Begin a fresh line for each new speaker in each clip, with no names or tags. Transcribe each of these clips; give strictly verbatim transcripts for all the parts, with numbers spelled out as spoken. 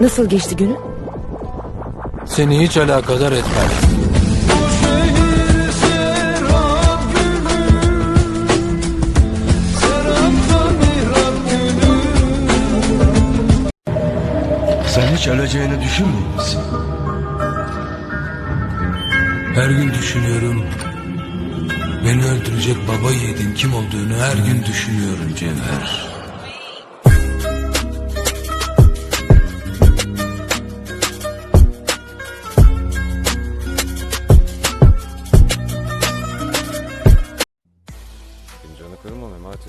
Nasıl geçti günün?
Seni hiç alakadar etmez.
Sen hiç öleceğini düşünmüyor musun?
Her gün düşünüyorum. Beni öldürecek baba yiğidin kim olduğunu her gün düşünüyorum Cevher.
Fincanı kırma Memati.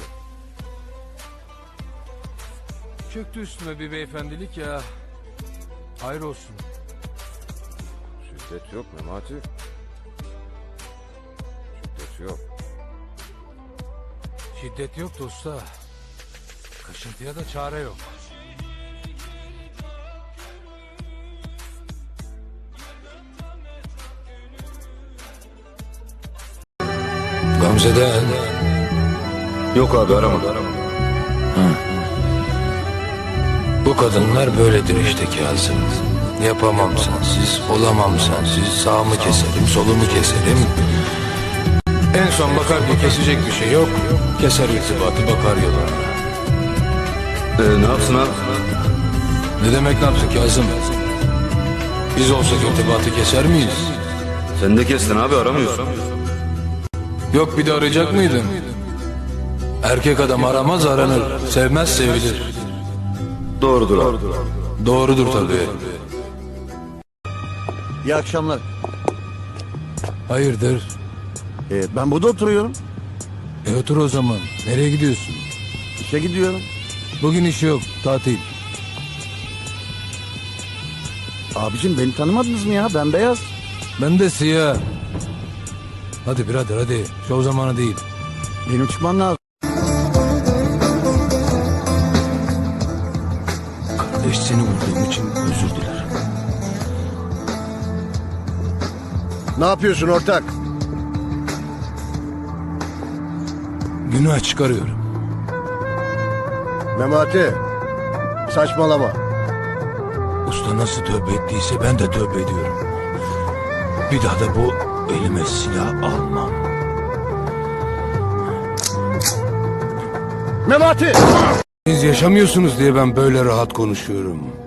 Çöktü üstüme bir beyefendilik ya. Hayır olsun.
Şiddet yok Memati. Şiddet yok.
Şiddet yok da usta. Kaşıntıya da çare yok. Gamze'den.
Yok abi aramadı.
Bu kadınlar böyledir işte Kazım. Yapamam sensiz, olamam sensiz. Sağımı keserim, solumu keserim. En son bakar ki kesecek bir şey yok. Keser irtibatı, bakar yola.
Ee, ne yapsın abi?
Ne demek ne yapsın Kazım? Biz olsak irtibatı keser miyiz?
Sen de kestin abi aramıyorsun.
Yok bir de arayacak mıydın? Erkek adam aramaz aranır, sevmez sevilir.
Doğrudur abi.
Doğrudur tabii.
İyi akşamlar.
Hayırdır?
Ee, ben burada oturuyorum.
E otur o zaman. Nereye gidiyorsun?
İşe gidiyorum.
Bugün iş yok, tatil.
Abicim beni tanımadınız mı ya? Ben beyaz.
Ben de siyah. Hadi birader hadi. Şov zamanı değil.
Benim çıkmam lazım.
Kardeş seni vurduğum için özür dilerim.
Ne yapıyorsun ortak?
Günah çıkarıyorum.
Memati. Saçmalama.
Usta nasıl tövbe ettiyse ben de tövbe ediyorum. Bir daha da bu elime silah almam.
Memati!
Siz yaşamıyorsunuz diye ben böyle rahat konuşuyorum.